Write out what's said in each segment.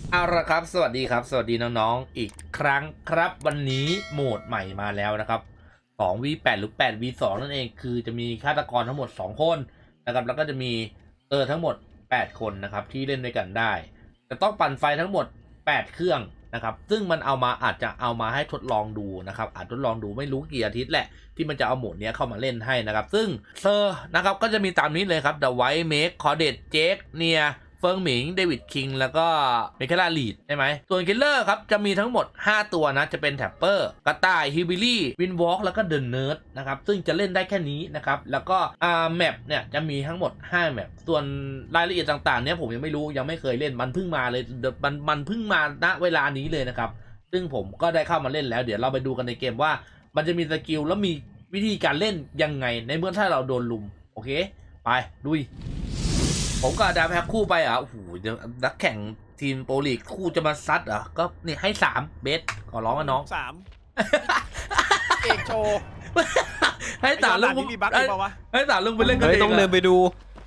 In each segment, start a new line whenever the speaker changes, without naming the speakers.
เอาละครับสวัสดีครับสวัสดีน้องๆอีกครั้งครับวันนี้โหมดใหม่มาแล้วนะครับ2v8หรือ 8v2 นั่นเองคือจะมีฆาตกรทั้งหมด2คนนะครับแล้วก็จะมีทั้งหมด8คนนะครับที่เล่นด้วยกันได้จะต้องปั่นไฟทั้งหมด8เครื่องนะครับซึ่งมันอาจจะเอามาให้ทดลองดูนะครับอาจทดลองดูไม่รู้กี่อาทิตย์แหละที่มันจะเอาโหมดนี้เข้ามาเล่นให้นะครับซึ่งเซอร์นะครับก็จะมีตามนี้เลยครับ The White Mage คอเดตเจคเนียเฟิงหมิงเดวิดคิงแล้วก็เมคาลาลีดใช่ไหมส่วนคิลเลอร์ครับจะมีทั้งหมด5ตัวนะจะเป็นแท็ปเปอร์กระต่ายฮิบิลี่วินวอล์กแล้วก็เดนเนิร์ดนะครับซึ่งจะเล่นได้แค่นี้นะครับแล้วก็แมปเนี่ยจะมีทั้งหมด5แมปส่วนรายละเอียดต่างๆเนี่ยผมยังไม่รู้ยังไม่เคยเล่นมันเพิ่งมาเลยมันเพิ่งมาณเวลานี้เลยนะครับซึ่งผมก็ได้เข้ามาเล่นแล้วเดี๋ยวเราไปดูกันในเกมว่ามันจะมีสกิลแล้วมีวิธีการเล่นยังไงในเมื่อถ้าเราโดนลุมโอเคไปลุยผมกับดาแพ็คคู่ไปโอ้โหนักแข่งทีมโปรลีกคู่จะมาซัดก็นี่ให้3เบสขอร้องนะน้อง
เอกโชว์
ให้ตาลุง
มีบั๊กอีกเปล่าวะ
ให้ตาลุงไปเล่นกันเอง
ต้องเดินไปดู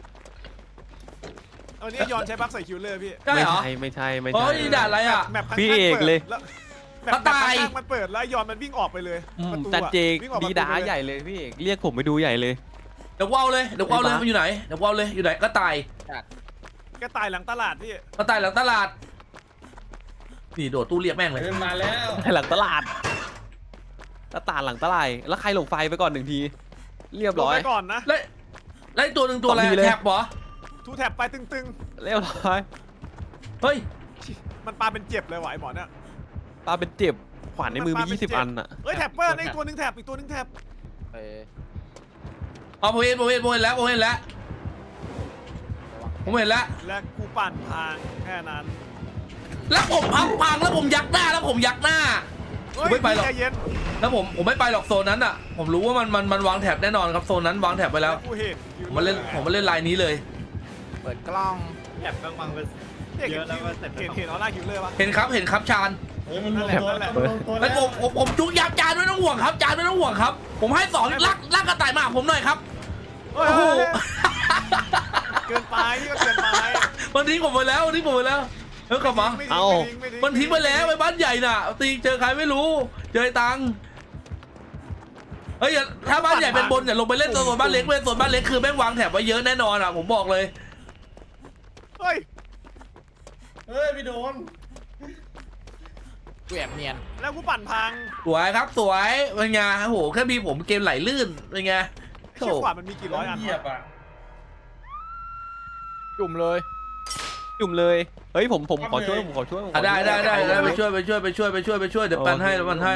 วันนี้ย้อนใช้บั๊กใส่คิวเลอร์พี่
ใช่เหรอ
ไม่ใช่
โอ้ยด่าอะไร
พี่เอกเลย
ก็ตายมันเปิดแล้วย้อนมันวิ่งออกไปเลย
จัดเจกดีดาใหญ่เลยพี่เอกเรียกผมไปดูใหญ่เลย
เดี๋ยวว้าวเลยมันอยู่ไหนเดี๋ยวว้าวเลยอยู่ไหนก็ตาย
หลังตลาดพี่
ก็ตายหลังตลาดนี่โดดตู้เรียกแม่งเลย
มาแล้ว
หลังตลาดหลังตลาดแล้วใครหลงไฟไปก่อน1 ทีเรียบร้อย
ไปก่อนนะ
แล้วตัวหนึ่งตัวอะไรแท็บเหรอ
ทูแท็บไปตึง
เรียบร้อย
เฮ้ย
มันปาเป็นเจ็บเลยไหวหมอเนี่ย
ปาเป็นเจ็บขวานในมือมี20 อันอ่ะ
เฮ้ยแท็บเปอร์อีกตัวนึงแท็บอีกตัวนึงแท็บ
ผมเห็นแล้ว
และกูปั่นทางแค่นั้น
แล้วผมพังแล้วผมยักหน้าผมไม่ไปหรอกแล้วผมไม่ไปหรอกโซนนั้นผมรู้ว่ามันวางแถบแน่นอนครับโซนนั้นวางแถบไปแล้วผมมาเล่นลายนี้เลย
เปิดกล้องแอบวางไปเยอะแล้วก็เ
ห็นออร่าคิวเลอร์ปะ
เห็นครับชาญแล้วผมจุกยับจานไม่ต้องห่วงครับจานไม่ต้องห่วงครับผมให้2ลักกระต่ายมาผมหน่อยครับ
โอ้โหเกินไปนี่ก็เกินไป
มันทิ้งผมไปแล้วกลับมามันทิ้งไปแล้วไปบ้านใหญ่น่ะตีเจอใครไม่รู้เจอตังเฮ้ยถ้าบ้านใหญ่เป็นบนอย่าลงไปเล่นโซนบ้านเล็กโซนบ้านเล็กคือแม่งวางแถบไว้เยอะแน่นอนผมบอกเลย
เฮ้ย
พี่โดนกูแอบเนียน
แล้วกูปั่นพัง
สวยครับสวยเป็นไงโอ้โหแค่มีผมเกมไหลลื่นเป็นไง
เชี่ยกว่ามันมีกี่ร้อยอัน
จุ่มเลย
เฮ้ยผมขอช่วย
ได้ไปช่วยเดี๋ยวปั่นให้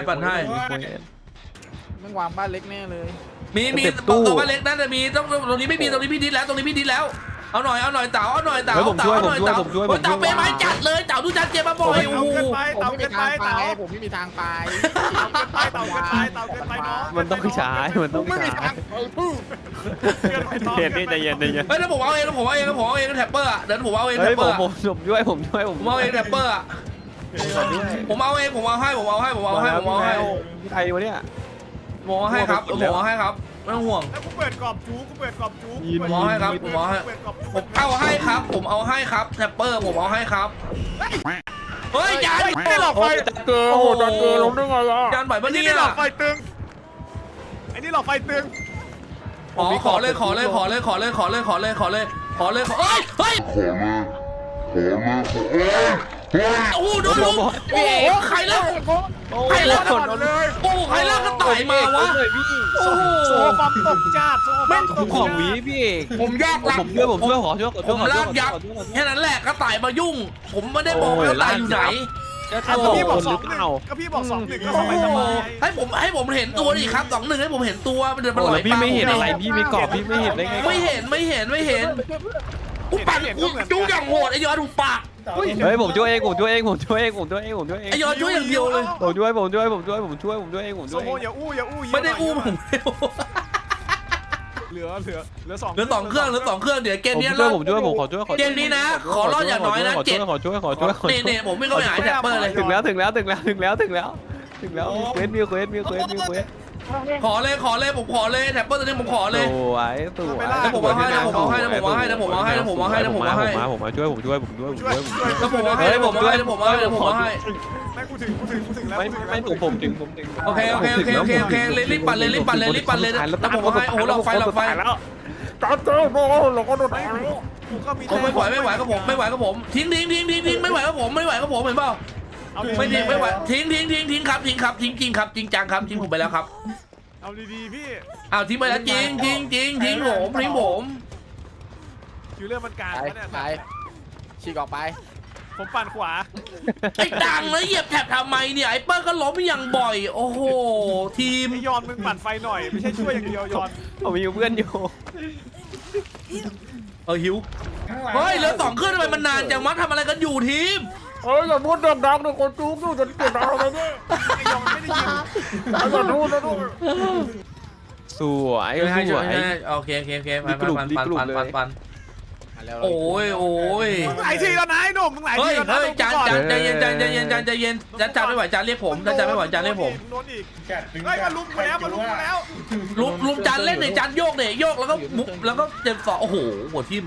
มึงวางบ้านเล็กแน่เลย
มีตัวบ้านเล็กนั่นจะมีตรงนี้ไม่มีตรงนี้พี่ดิดแล้วเอาหน่อยเต๋าเต๋าเป็นไม้จัดเลยเต๋าดูจัดเจ็บมาบ่อยโอ้โห
ผมไม่มีทางไป
เต๋าเกินไปน้อง
มันต้องใช้เย็นใจเย็น
เฮ้ยแล้วผมเอาเองแท็ปเปอร์เดี๋ยวผมเอาเองแท็ปเปอร์
ผมช่วยผม
เอาเองแท็ปเปอร์ผมเอาให้
ใครวะเนี่ย
หมอให้ครับไม่ต้องห่วง
แล้วกูเปิดกรอบจู
หมอให้ครับผมเอาให้ครับแท็ปเปอร์ผมเอาให้ครับเฮ้ยจาน
ไม่หลอกไฟ
จัดเกอล้มได้ไง
จานบ่อยปะเนี่ย
หลอกไฟตึงไอ้นี่หลอกไฟตึง
ขอเลยเฮ้ยโอ้โหโดนลุมโอ้โหใครเล่าเลยโอ้ใครเล่ากระต่ายมาวะโอ้โห
โซ่ปั๊มตกจ้า
ไม่ของวีพี่
ผมยาก
ผมช่วย
ผมลากยักแค่นั้นแหละกระต่ายมายุ่งผมไม่ได้บอกกระต่ายอยู่ไหน
พี่บอก2-1ก็พี่บอก2-1ก็สบาย
ให้ผมเห็นตัวดิครับ2-1ให้ผมเห็นตัวมันเดินมาหลอย
พี่ไม่เห็นอะไรพี่ไม่กรอบพี่ไม่เห็นได้ไง
ไม่เห็นกูปั่นกูจู้อย่างโหดไอ้ยอดดูปาก
เฮ้ยผมช่วยเองไ
อ้ยอดช่วยอย่างเดียวเลย
ผมช่วยเอง
โซโมอย่าอู้
ไม่ได้อู้ผม
เหลือ2เค
รื่องเดี๋ยวเกมนี้
ผมช่วยผมขอช่วย
เกมนี้นะขอรอดอย่างน้อยนะ7
ขอช่วย
เนี่ยผมไม่เข้าไปหาแท็ปเปอร์เลย
ถึงแล้วเควส
ขอเลยผมขอเลยแท็ปเปอร์ตัวนี้ผมขอเลย
สวยสวย
แล้วผมเอาให้แล้วผมเอาให้แล้วผมเอาให้แล้วผมเอาให้แล้วผมเอาให้แล้วผมเอาให้
ผมมาช่วย
แล้วผมเอาให้แล้วผมเอาให้แล้วผมเอาให้แล้วผมเอาให้
ไม่กูถึงแล้ว
ไม่ผมถึง
โอเคเลยรีบปั่นเลยแล้วผมเอาให้โอ้โหหลอกไฟ
แล้วจัดเจ้าโบ้เราก็โดนกูก็มี
ผมไม่ไหวกับผมทิ้งไม่ไหวกับผมเห็นเปล่าไม่ไหวทิ้งครับจริงจังครับทิ้งผมไปแล้วครับ
เอาดีๆพี่
อ้าวทิ้งไปแล้วจริงทิ้งผม
คิวเรื่องมันกลาง
ไป
เนี่ย
ไปฉีกออกไป
ผมปั่นขวา
ไอ้ดังแล้วเหยียบแถบทำไมเนี่ยไอ้เปิ้ลก็ล้มอย่างบ่อย โอ้โหทีม
ไอยอนมึงปั่นไฟหน่อยไม่ใช่ช่วยอย่างเดียวยอน
ผมมีเพื่อนอยู่
หิวเฮ้ยเหลือ2เครื่องทำไมมันนานจังวะทำอะไรกันอยู่ทีม
เฮ้ยอย่าพูดดังๆเลยคนจู๊กจะเกิดอะไรเนี่ยไอยอนไม่ได้ยินอย่าพูดนะลูก
สวยสวย
โอเคปันโอ้ย
มึงหลายทีแล้วนะไอ้หนุ่มมึงหลาย
เฮ้
ที
ย
แล้วนะ
จานใจเย็นจานไม่ไหวจานเรียกผมจานไม่ไหวจานเรียกผม
โดนอีกเฮ้ยมาลุมกูแล้ว
ลุมจานเล่นเนี่ยจานโยกแล้วก็มุกแล้วก็เจ็บสองโอ้โหหัวทิ่ม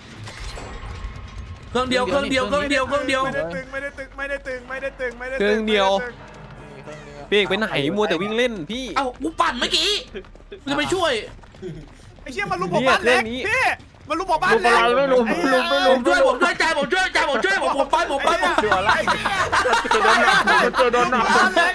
เครื่องเดียว
ไม่ได้ตึง
พี่เอกไปไหนมัวแต่วิ่งเล่นพี่
เอ้ากูปั่นเมื่อกี้จะไปช่วย
ไอ้เชี่ยมันลุมผมบ้านเล็กพี่มันลุมผมบ้านเล็ก
ผมช่วยจานผมช่วยผมไป
เดือดไร
โดนหนัก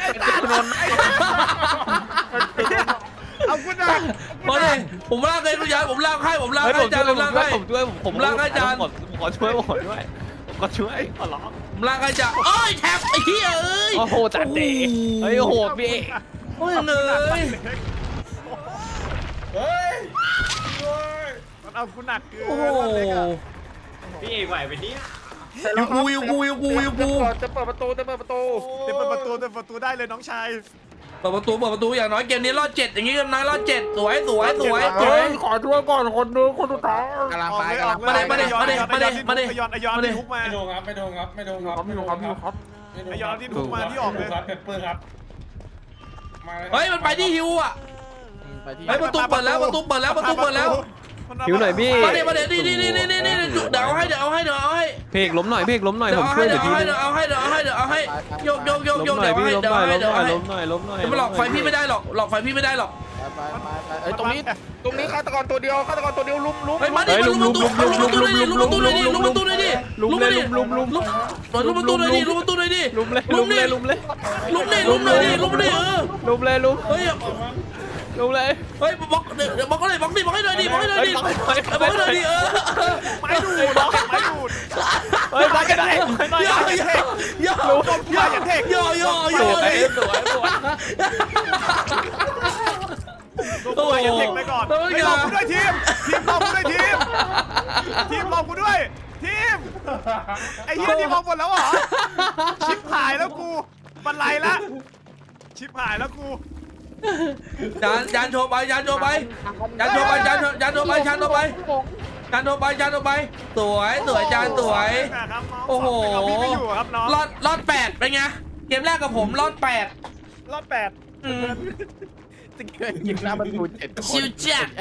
เอาคุณนะ
มาเลยผมลากเลยคุณยายผมลากให้จานผมลากให้
ผมลากให้จานขอช่วยขอร้อง
ผมลากให้จานเอ้ยแท็บไอ้เหี้ยเอ้ย
โอ้โหจัดเตะเฮ้ยโอ้โหพี่
โอ้ยเนย
มันเอาคุณหนักเกิน
โอ้โห
พี่เอกไหวไปเนี่ย
ยูกู
จะเปิดประตู
เต็มประตูได้เลยน้องชาย
เปิดประตูอย่างน้อยเกมนี้รอด7อย่างงี้กันนะรอด7สวย
ขอช่วยก่อนคนนึงคนสุดท้าย
กำลังไป
ยอนที่ทุกมา
ไม่โดนครับ
ไอยอนที่ทุกมาที่ออกเลย
เปเปอร์ครับ
เฮ้ยมันไปที่ฮิวอ่ะ
ไปที่
เฮ้ยประตูเปิดแล้ว
หิวหน่อยพี่
มาเดี๋ยวนี่เดี๋ยวเอาให้
เพกล้มหน่อยผมช่วยเดี๋ยวทีนึง
เอาให้โยก
ล้มหน่อยพี่ล้มหน่อย
จะมาหลอกไฟพี่ไม่ได้หรอก
ไปเอ้ยตรงนี้ฆาตกรตัวเดียวลุม
เฮ้ยมาดิลุมประตูเลยดิลุมประตูเลยดิลุมเลยดิลุมเฮ้ยบล็อกก็เลยบล็อกให้หน่อยดิบล็อกให้หน่อยดิ
ไม้ดูด
เฮ้ยมากันได้
ย่อ
ตัวอย่าเทคไปก่อนไม่ลองกูด้วยทีมลองกูด้วยทีมลองกูด้วยทีมไอ้เหี้ยทีมลองหมดแล้วเหรอชิปหายแล้วกูบันไลละชิปหายแล้วกู
จานโชว์ไปสวยจานสวยโอ้โหรอด8เป็นไงเกมแรกกับผมรอด8
รอด8
จะเกิดยิงหน้าประตู7
ชิวจัด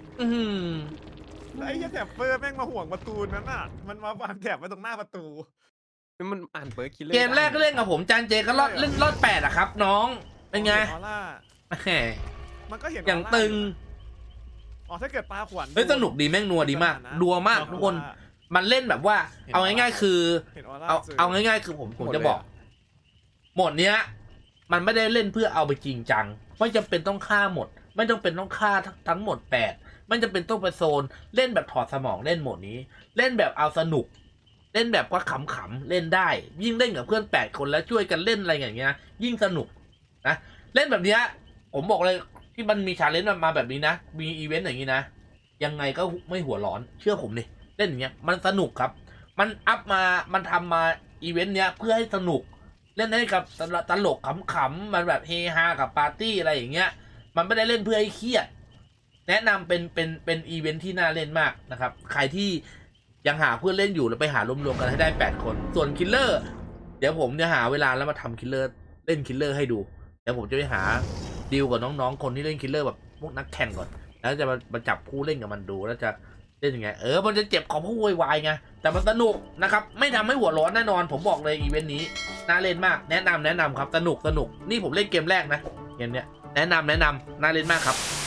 ไอ้เหี้ยแถบเฟอร์แม่งมาห่วงประตูนั้นน่ะมันมาวางแถบไว้ตรงหน้าประตู
มันอ่านเปิดคิดเลย
เกมแรกก็เล่นกับผมจานเจก็รอด8อะครับน้องเป็นไง
ออร่า
แหม
มันก็เห็น
อย่างตึง
อ๋อถ้าเกิดปลาขวัญ
เฮ้ยสนุกดีแม่งนัวดีมากดัวมากทุกคนมันเล่นแบบว่าเอาง่ายๆคือ
เห็นออร่า
เอาง่ายๆคือผมจะบอกหมดเนี้ยมันไม่ได้เล่นเพื่อเอาไปจริงจังไม่จำเป็นต้องฆ่าหมดไม่จำเป็นต้องฆ่าทั้งหมด8ไม่จำเป็นต้องไปโซนเล่นแบบถอดสมองเล่นโหมดนี้ เล่นแบบเอาสนุกเล่นแบบว่าขำๆเล่นได้ยิ่งเล่นกับเพื่อน8คนแล้วช่วยกันเล่นอะไรอย่างเงี้ยยิ่งสนุกนะเล่นแบบเนี้ยผมบอกเลยที่มันมีชาเลนจ์มาแบบนี้นะมีอีเวนต์อย่างนี้นะยังไงก็ไม่หัวร้อนเชื่อผมดิเล่นอย่างเงี้ยมันสนุกครับมันอัพมามันทำมาอีเวนต์เนี้ยเพื่อให้สนุกเล่นให้กับตลกขำๆมันแบบเฮฮากับปาร์ตี้อะไรอย่างเงี้ยมันไม่ได้เล่นเพื่อให้เครียดแนะนำเป็นอีเวนต์ที่น่าเล่นมากนะครับใครที่ยังหาเพื่อนเล่นอยู่แล้วไปหารวมๆกันให้ได้8คนส่วนคิลเลอร์เดี๋ยวผมจะหาเวลาแล้วมาทำคิลเลอร์เล่นคิลเลอร์ให้ดูเดี๋ยวผมจะไปหาดีลกับน้องๆคนที่เล่นคิลเลอร์แบบพวกนักแข่งก่อนแล้วจะมาจับคู่เล่นกับมันดูแล้วจะเล่นยังไงมันจะเจ็บของผู้วายไงแต่มันสนุกนะครับไม่ทำให้หัวร้อนแน่นอนผมบอกเลยอีเวนต์นี้น่าเล่นมากแนะนำครับสนุกนี่ผมเล่นเกมแรกนะเกมเนี้ยแนะนำน่าเล่นมากครับ